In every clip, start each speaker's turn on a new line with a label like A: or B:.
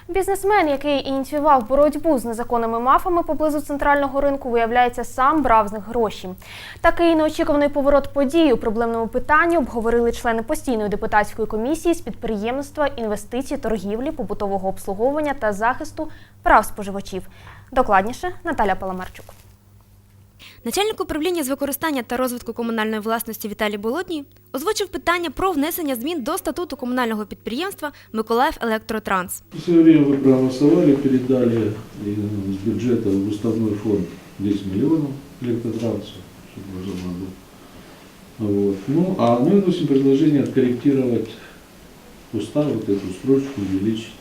A: Бізнесмен, який ініціював боротьбу з незаконними мафами поблизу центрального ринку, виявляється, сам брав з них гроші. Такий неочікуваний поворот подій у проблемному питанні обговорили члени постійної депутатської комісії з підприємництва, інвестицій, торгівлі, побутового обслуговування та захисту прав споживачів. Докладніше Наталя Паламарчук.
B: Начальник управління з використання та розвитку комунальної власності Віталій Болотній озвучив питання про внесення змін до статуту комунального підприємства «Миколаївелектротранс».
C: В свое время вы проголосовали, передали с бюджета в уставной фонд 10 миллионов электротрансу, чтобы уже надо. Вот. Ну, а мы вносим предложение откорректировать устав, вот эту строчку увеличить.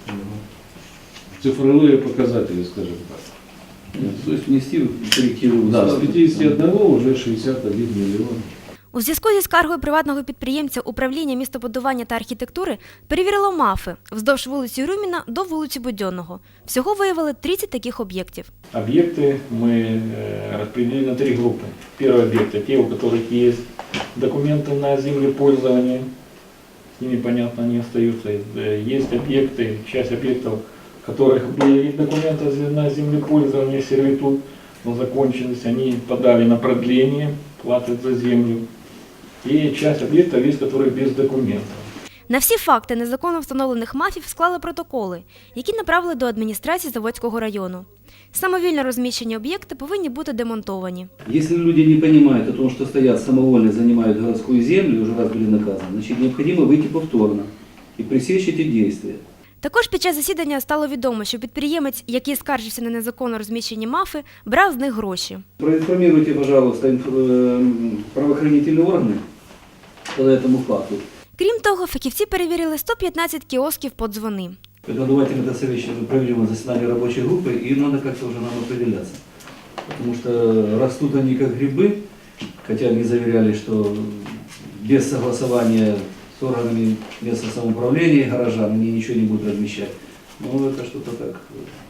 C: Цифровые показатели, скажем так.
D: То есть внести коррективу.
C: Да, с 51 уже 61 миллион.
B: У зв'язку зі скаргою приватного підприємця управління містобудування та архітектури перевірило МАФи вздовж вулиці Рюміна до вулиці Будьонного. Всього виявили 30 таких об'єктів.
E: Объекты мы распределили на 3 группы. Первые объекты, те, у которых есть документы на землепользование, с ними, понятно, они остаются. Есть объекты, часть объектов, у которых были документы на землепользование, сервитут, но закончились, они подали на продление, платят за землю. И часть объектов есть, которые без документов.
B: На всі факти незаконно встановлених МАФів склали протоколи, які направили до адміністрації Заводського району. Самовільно розміщені об'єкти повинні бути демонтовані.
D: Если люди не понимают о том, что стоят самовольно, занимают городскую землю, уже раз были наказаны, значит необходимо выйти повторно и пресечь эти действия.
B: Також під час засідання стало відомо, що підприємець, який скаржився на незаконно розміщені МАФи, брав з них гроші.
D: Проинформируйте, пожалуйста, правоохранительные органы по этому факту.
B: Крім того, фахівці перевірили 115 кіосків подзвони.
D: Давайте мы это совещание проведем заседание рабочей группы, и надо как-то уже нам определяться. Потому что растут они как грибы, хотя они заверяли, что без согласования с органами местного самоуправления горожан они ничего не будут размещать. Но это что-то так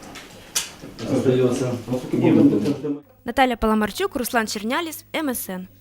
D: остается.
B: Наталя Паламарчук, Руслан Черняліс, МСН.